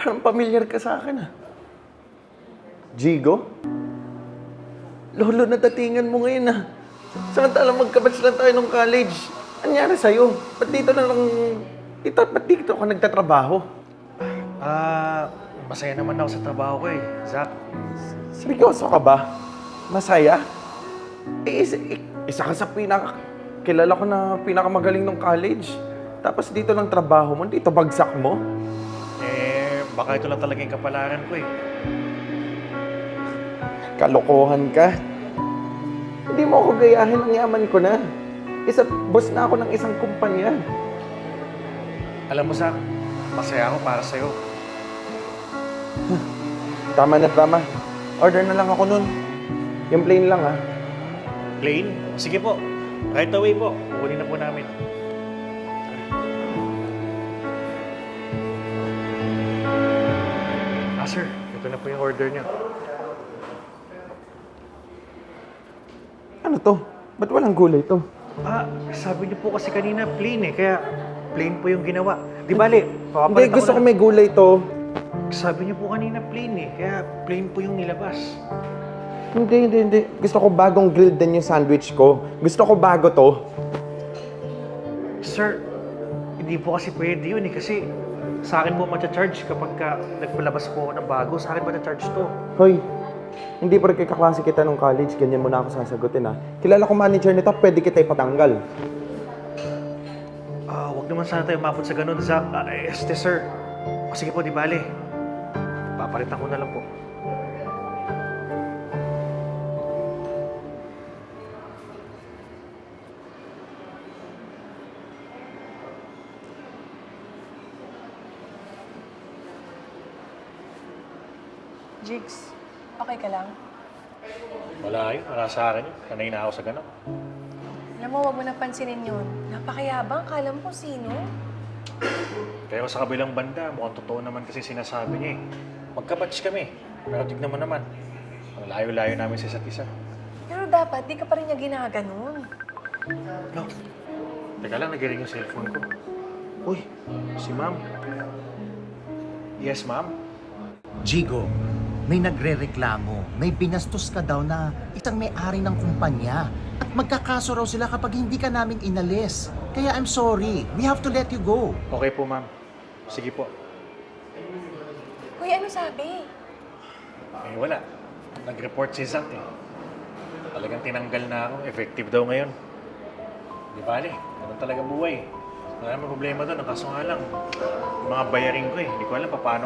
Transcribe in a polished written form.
Parang pamilyar ka sa akin, ah. Jigo? Lolo, natatingan mo ngayon, ah. Samantalang magkabatch lang tayo nung college. Anyari sa'yo? Ba't dito ka nagtatrabaho? Masaya naman ako sa trabaho ko eh, Zach. Seryoso ka ba? Masaya? Isa ka sa kilala ko na pinakamagaling ng college. Tapos dito lang trabaho mo, dito bagsak mo. Baka ito lang talaga yung kapalaran ko eh. Kalokohan ka. Hindi mo ako gayahin, ang yaman ko na. Boss na ako ng isang kumpanya. Alam mo, Zach, masaya ako para sa'yo. Tama na, tama. Order na lang ako nun. Yung plain lang, ah. Plain? Sige po. Right away po. Kukunin na po namin. Sir. Ito na po yung order niyo. Ano to? Ba't walang gulay to? Sabi niyo po kasi kanina plain eh. Kaya plain po yung ginawa. Di bale, Hindi, gusto ko may gulay to. Sabi niyo po kanina plain eh. Kaya plain po yung nilabas. Hindi. Gusto ko bagong grilled din yung sandwich ko. Gusto ko bago to. Sir, hindi po kasi pwede yun eh. Kasi sa akin po matcha-charge kapag nagpalabas po ako ng bago. Sa akin matcha-charge to. Hoy, hindi pa rin kaklase kita nung college. Ganyan mo na ako sasagutin, ha. Kilala ko manager nito, pwede kita ipatanggal. Wag naman sana tayo umabot sa ganun, Zach. Sir. Sige po, di bale. Papalitan ko na lang po. Jigs, okay ka lang? Wala yun. Wala sa akin yun. Kanay na ako sa ganun. Alam mo, wag mo nang pansinin yun. Napakayabang, kala mo kung sino. Pero sa kabilang banda, mukhang totoo naman kasi sinasabi niya eh. Magkabatch kami. Pero tignan mo naman. Ang layo-layo namin sa isa't isa. Pero dapat, di ka pa rin niya ginaganon. No. Teka lang, nag-ring yung cellphone ko. Uy, si ma'am. Yes, ma'am? Jigo, may nagrereklamo. May binastos ka daw na isang may-ari ng kumpanya. At magkakaso raw sila kapag hindi ka namin inalis. Kaya I'm sorry. We have to let you go. Okay po, ma'am. Sige po. Kuya, ano sabi? Wala. Nag-report si Zach eh. Talagang tinanggal na ako. Effective daw ngayon. Di bale, ganun talaga buhay. Wala naman problema doon. Ang kaso nga lang, yung mga bayaring ko eh. Hindi ko alam paano